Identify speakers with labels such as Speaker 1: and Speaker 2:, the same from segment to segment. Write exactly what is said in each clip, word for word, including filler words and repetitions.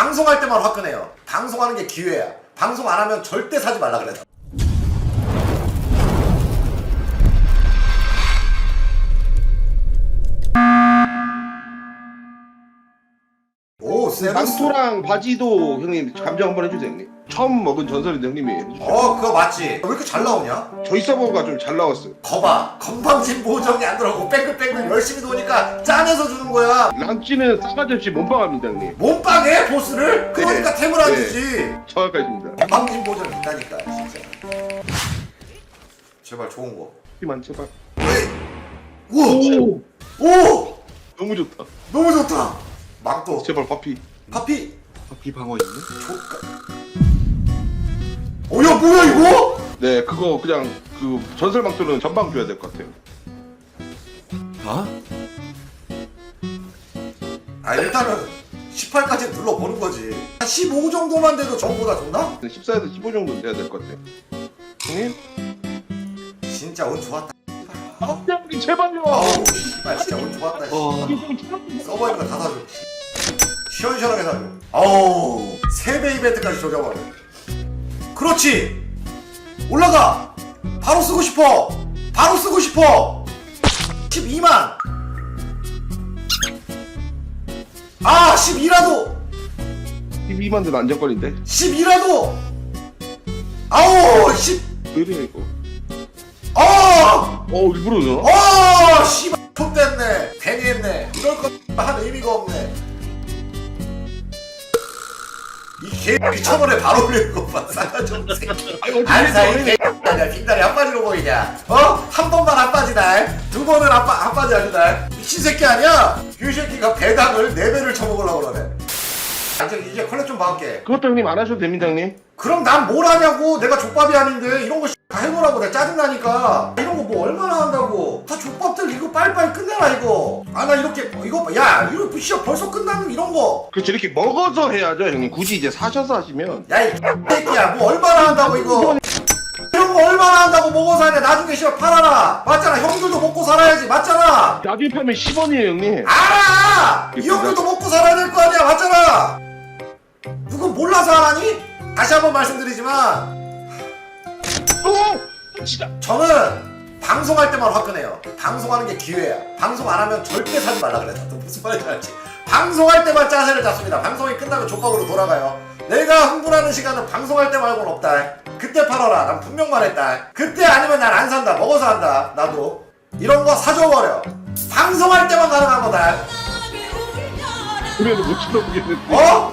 Speaker 1: 방송할 때만 화끈해요. 방송하는 게 기회야. 방송 안 하면 절대 사지 말라 그래. 오, 세루스.
Speaker 2: 망토랑 바지도 형님 감정 한번 해주세요 형님. 처음 먹은 전설인데 형님이 해주세요.
Speaker 1: 어, 그거 맞지? 왜 이렇게 잘 나오냐?
Speaker 2: 저희 서버가 좀 잘 나왔어요.
Speaker 1: 거봐, 건방진 보정이 안 들어가고 뺑글뺑글 열심히 도니까 짠해서 주는 거야.
Speaker 2: 랑찌는 싸가지 없이 몸빵합니다 형님.
Speaker 1: 몸빵해 보스를? 그러니까
Speaker 2: 네.
Speaker 1: 템을 안
Speaker 2: 네.
Speaker 1: 주지.
Speaker 2: 정확하십니다.
Speaker 1: 건방진 보정 있다니까 진짜. 제발 좋은 거.
Speaker 2: 피만 제발.
Speaker 1: 우와!
Speaker 2: 오!
Speaker 1: 오!
Speaker 2: 너무 좋다.
Speaker 1: 너무 좋다. 망토.
Speaker 2: 제발 파피.
Speaker 1: 파피.
Speaker 2: 파피 방어 있네?
Speaker 1: 조까. 어야 뭐야 이거?
Speaker 2: 네 그거 그냥 그 전설 망토는 전방 줘야 될 것 같아요.
Speaker 3: 어?
Speaker 1: 아 일단은 십팔까지 눌러보는 거지. 한 십오 정도만 돼도 전보다 좋나?
Speaker 2: 십사에서 십오 정도 돼야 될 것 같아요. 형님?
Speaker 1: 진짜 운 좋았다.
Speaker 2: 아 형님 제발요.
Speaker 1: 아우 씨발 진짜 운 좋았다.
Speaker 3: 어.
Speaker 1: 서버 있는 거 다 사줘. 시원시원하게 사줘. 아우 세 배 이벤트까지 조져버려. 그렇지. 올라가. 바로 쓰고 싶어. 바로 쓰고 싶어. 십이만. 아 십이라도.
Speaker 2: 십이만 대는 안정권인데?
Speaker 1: 십이라도. 아우 십.
Speaker 2: 왜 이래 이거?
Speaker 1: 아.
Speaker 2: 어 일부러 줘?
Speaker 1: 어 씨발 좆됐네. 괜히 했네. 이럴 거한 의미가 없네. 이 개 미쳐버려. 바로 올리는 것만 싸가지 없는 새끼. 알사 이 개 아니야. 빙다리 한 바지로 보이냐? 어? 한 번만 한 바지다. 두 번은 한, 바, 한 바지 아니다. 미친 새끼 아니야? 이 새끼가 배당을 네 배를 쳐먹으려고 그러네. 이제, 이제 컬렉 좀 봐올게.
Speaker 2: 그것도 형님 안 하셔도 됩니다 형님.
Speaker 1: 그럼 난 뭘 하냐고. 내가 족밥이 아닌데 이런 거 다 해보라고. 내가 짜증나니까. 이런 거 뭐 얼마나 한다고. 다 족밥들 이거 빨리빨리 끝내라 이거. 아 나 이렇게 이거 봐. 야 이거 시합 벌써 끝나는 이런 거.
Speaker 2: 그렇지 이렇게 먹어서 해야죠 형님. 굳이 이제 사셔서 하시면.
Speaker 1: 야 이 새끼야 뭐 얼마나 한다고 이거. 이런 거 얼마나 한다고 먹어서 하냐. 나중에 시합 팔아라. 맞잖아. 형들도 먹고 살아야지. 맞잖아.
Speaker 2: 나중에 팔면 십 원이에요 형님.
Speaker 1: 알아. 이 형들도 먹고 살아야 될 거 아니야. 맞잖아. 누군 몰라서 안 하니? 다시 한번 말씀드리지만
Speaker 2: 오! 진짜.
Speaker 1: 저는 방송할 때만 화끈해요. 방송하는 게 기회야. 방송 안 하면 절대 사지 말라 그래. 또 무슨 말인지 알지? 방송할 때만 짜세를 잡습니다. 방송이 끝나면 족밥으로 돌아가요. 내가 흥분하는 시간은 방송할 때 말고는 없다. 그때 팔아라. 난 분명 말했다. 그때 아니면 난 안 산다. 먹어서 한다. 나도 이런 거 사줘버려. 방송할 때만 가능한 거다.
Speaker 2: 그래도 못 쳐다보겠는데.
Speaker 1: 어?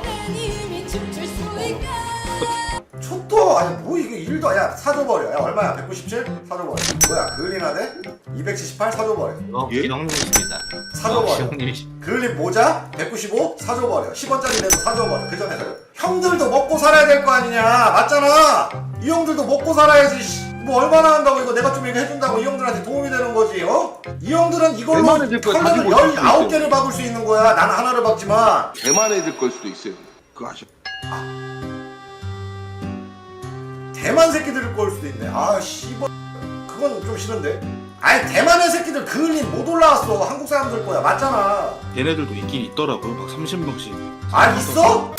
Speaker 1: 촛도 아니 뭐 이게 일도 야 사줘버려. 야 얼마야? 백구십칠? 사줘버려. 뭐야 그을린하대? 이백칠십팔? 사줘버려.
Speaker 3: 어,
Speaker 2: 예?
Speaker 3: 형님이십니다.
Speaker 1: 사줘버려.
Speaker 3: 형님이십니다.
Speaker 1: 그을린 모자? 백구십오? 사줘버려. 십 원짜리 내도 사줘버려. 그 전에 사줘. 형들도 먹고 살아야 될 거 아니냐. 맞잖아. 이 형들도 먹고 살아야지. 씨. 뭐 얼마나 한다고 이거 내가 좀 이거 해준다고 이 형들한테 도움이 되는 거지. 어? 이 형들은 이걸로
Speaker 2: 대만 애들 거
Speaker 1: 컬러를
Speaker 2: 가지고 있을 수도
Speaker 1: 열아홉 개를 박을 수 있는 거야. 나는 하나를 박지만.
Speaker 2: 대만 애들 걸 수도 있어요. 그거 아셔.
Speaker 1: 대만 새끼들을 걸 수도 있네. 아 씨발 그건 좀 싫은데. 아니 대만의 새끼들 그을린 못 올라왔어. 한국 사람들 거야. 맞잖아.
Speaker 3: 얘네들도 있긴 있더라고요. 막 삼십 명씩.
Speaker 1: 아 있어?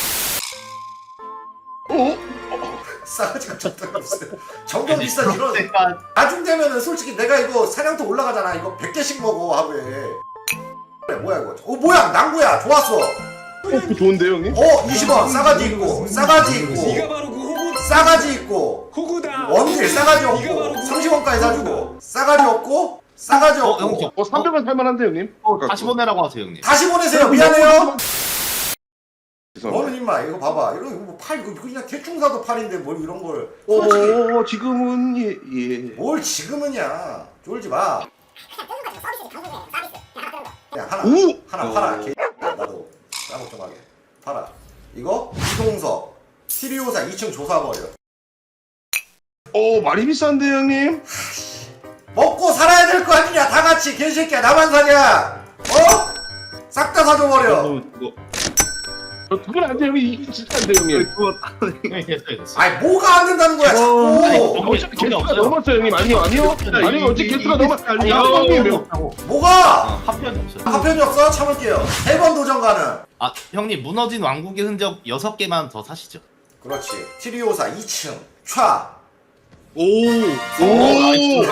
Speaker 2: 어?
Speaker 1: 싸가지가 졌다가 없어요. 점점 비싼 이런 나중 되면은 솔직히 내가 이거 사냥터 올라가잖아. 이거 백 개씩 먹어 하루에. 그래 뭐야 이거. 어 뭐야 낭구야. 좋았어.
Speaker 2: 어, 그거 좋은데요 형님?
Speaker 1: 어 이십 원 싸가지 있고 싸가지 있고
Speaker 4: 네가 바로 그 호구
Speaker 1: 싸가지 있고
Speaker 4: 호구다.
Speaker 1: 원딜 싸가지 없고 삼십 원까지 사주고 싸가지 없고 싸가지
Speaker 3: 어,
Speaker 1: 없고
Speaker 3: 형님.
Speaker 2: 어 삼백 원 살만한데 형님?
Speaker 3: 어, 다시 보내라고 하세요, 형님.
Speaker 1: 다시 보내세요. 미안해요.
Speaker 2: 죄송합니다.
Speaker 1: 너는 임마 이거 봐봐. 이거 뭐 팔 이거 그냥 대충 사도 팔인데 뭘 이런 걸 솔직히
Speaker 2: 어 지금은 예 예.
Speaker 1: 뭘 지금은야. 쫄지 마. 야 하나
Speaker 2: 오!
Speaker 1: 하나 팔아. 개 나도 싸먹 좀 하게 팔아. 이거 이동석 티리오사 이 층 조사버려.
Speaker 2: 어 많이 비싼데 형님?
Speaker 1: 먹고 살아야 될 거 아니냐. 다 같이 개새끼야. 나만 사냐. 어? 싹 다 사줘버려.
Speaker 3: 어, 이거
Speaker 2: 그건 안 돼, 형님. 이게 진짜 안 돼, 형님.
Speaker 3: 형님 됐어요 됐어.
Speaker 1: 아니 뭐가 안 된다는 거야
Speaker 3: 아니,
Speaker 1: 자꾸.
Speaker 3: 너무-
Speaker 2: 어차피
Speaker 3: 돈이
Speaker 2: 개수가
Speaker 3: 없어요.
Speaker 2: 넘었어요, 형님. 아니요, 아니요. 아니요, 어차피 개수가 넘었.
Speaker 3: 아니
Speaker 2: 형님.
Speaker 1: 뭐가?
Speaker 3: 합편이 없어요.
Speaker 1: 파편이 없어? 참을게요. 세 번 도전 가능.
Speaker 3: 아 형님 무너진 왕국의 흔적 여섯 개만 더 사시죠.
Speaker 1: 그렇지. 티리오사 이 층. 촤.
Speaker 3: 오. 오. 나이스.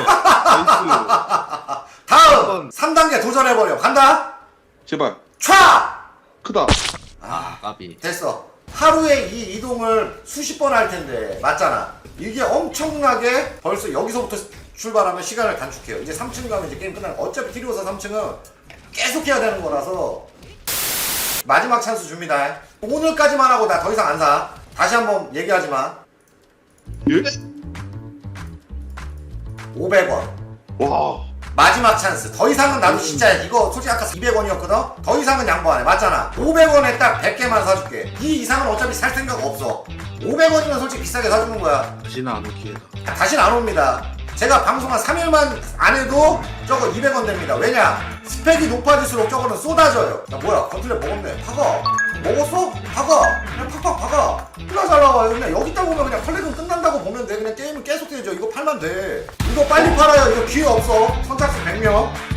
Speaker 1: 다음 삼 단계 도전해버려. 간다.
Speaker 2: 제발.
Speaker 1: 촤.
Speaker 2: 크다.
Speaker 3: 아 까비.
Speaker 1: 됐어. 하루에 이 이동을 수십 번 할 텐데 맞잖아. 이게 엄청나게 벌써 여기서부터 출발하면 시간을 단축해요. 이제 삼 층 가면 이제 게임 끝나는 거. 어차피 티리오사 삼 층은 계속 해야 되는 거라서 마지막 찬스 줍니다. 오늘까지만 하고 나 더 이상 안 사. 다시 한번 얘기하지만
Speaker 2: 예?
Speaker 1: 오백 원
Speaker 2: 와.
Speaker 1: 마지막 찬스. 더 이상은 나도 진짜 이거 솔직히 아까 이백 원이었거든? 더 이상은 양보 안 해. 맞잖아. 오백 원에 딱 백 개만 사줄게. 이 이상은 어차피 살 생각 없어. 오백 원이면 솔직히 비싸게 사주는 거야.
Speaker 3: 다시는 안 올 기회다.
Speaker 1: 다시는 안 옵니다. 제가 방송 한 삼 일만 안 해도 저거 이백 원 됩니다. 왜냐? 스펙이 높아질수록 저거는 쏟아져요. 야 뭐야 건틀렛 먹었네. 박아. 먹었어? 박아. 그냥 팍팍 박아. 얼마나 잘 나와요. 그냥 여기 있다 보면 그냥 컬렉은 끝난다고 보면 돼. 그냥 게임은 계속 되죠. 이거 팔면 돼. 이거 빨리 팔아요. 이거 기회 없어. 선착순 백 명.